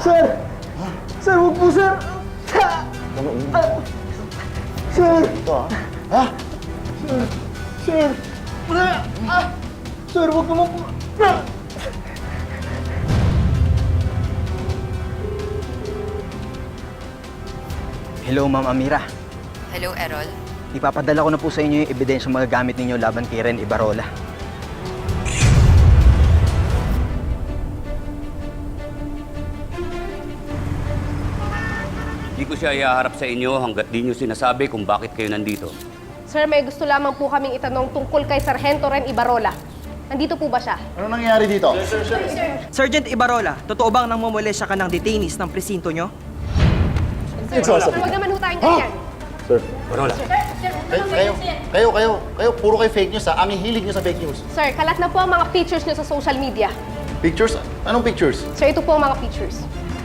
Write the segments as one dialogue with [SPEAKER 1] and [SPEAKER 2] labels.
[SPEAKER 1] Sir! Sir, huwag po, sir! Sir!
[SPEAKER 2] Ito, ha?
[SPEAKER 1] Sir! Sir, huwag naman po!
[SPEAKER 3] Hello, Ma'am Amira.
[SPEAKER 4] Hello, Errol.
[SPEAKER 3] Ipapadala ko na po sa inyo yung ebidensya mga gamit ninyo laban kay Ren Ibarola.
[SPEAKER 5] Di ko siya iaharap sa inyo hanggat di nyo sinasabi kung bakit kayo nandito.
[SPEAKER 6] Sir, may gusto lamang po kaming itanong tungkol kay Sargento Ren Ibarola. Nandito po ba siya?
[SPEAKER 2] Ano nangyayari dito?
[SPEAKER 7] Sergeant Ibarola, totoo bang nangmomolesya ka ng detainees ng presinto nyo?
[SPEAKER 6] Sir, huwag naman ho tayong ganyan.
[SPEAKER 5] Barola.
[SPEAKER 2] Kayo, puro kayo fake news, ha? Ang hihilig nyo sa fake news.
[SPEAKER 6] Sir, kalat na po ang mga pictures niyo sa social media.
[SPEAKER 2] Pictures? Anong pictures?
[SPEAKER 6] Sir, ito po ang mga pictures.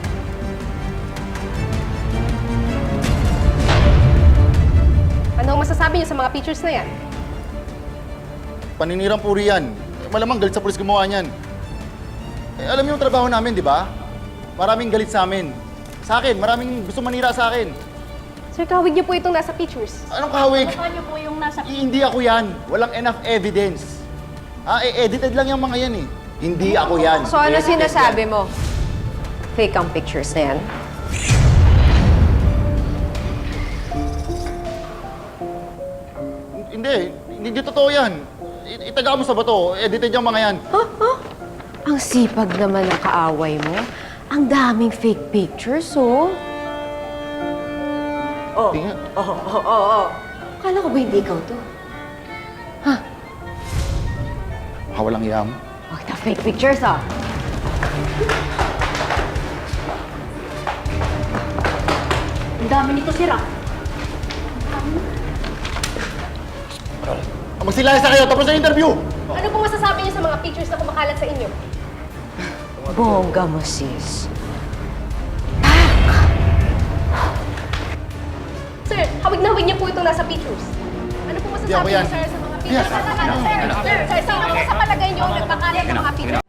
[SPEAKER 6] Ano ang masasabi niyo sa mga pictures na yan?
[SPEAKER 2] Paninirang puri yan. Malamang galit sa pulis gumawa niyan. Alam niyo yung trabaho namin, di ba? Maraming galit sa amin. Sa akin, maraming gusto manira sa akin.
[SPEAKER 6] Sir, kawig niyo po itong nasa pictures.
[SPEAKER 2] Anong kahawig?
[SPEAKER 8] Ano po yung nasa...
[SPEAKER 2] Hindi ako yan. Walang enough evidence. Edited lang yung mga yan eh. Hindi ako yan.
[SPEAKER 4] So ano
[SPEAKER 2] Edited
[SPEAKER 4] sinasabi
[SPEAKER 2] yan.
[SPEAKER 4] mo? Fake ang pictures na yan?
[SPEAKER 2] Hindi totoo yan. Itaga mo sa bato. Edited yung mga yan.
[SPEAKER 4] Ang sipag naman ng kaaway mo. Ang daming fake pictures, oh.
[SPEAKER 2] Tingnan.
[SPEAKER 4] Akala ko ba hindi ikaw to?
[SPEAKER 2] Walang iyam.
[SPEAKER 4] Huwag na fake pictures, ah.
[SPEAKER 8] Ang dami nito sira.
[SPEAKER 2] Magsilayas na kayo. Tapos na interview.
[SPEAKER 6] Ano po masasabi niyo sa mga pictures na kumakalat sa inyo?
[SPEAKER 4] Bongga mo, sis.
[SPEAKER 6] Sir, hawig na hawig niyo po itong nasa pictures. Ano po
[SPEAKER 2] Hindi ako
[SPEAKER 6] masasabi
[SPEAKER 2] yan.
[SPEAKER 6] niyo, sir, sa mga
[SPEAKER 2] Yes.
[SPEAKER 6] pictures? Sir, sino po sa palagay niyo ang nagpakalat ng mga pictures?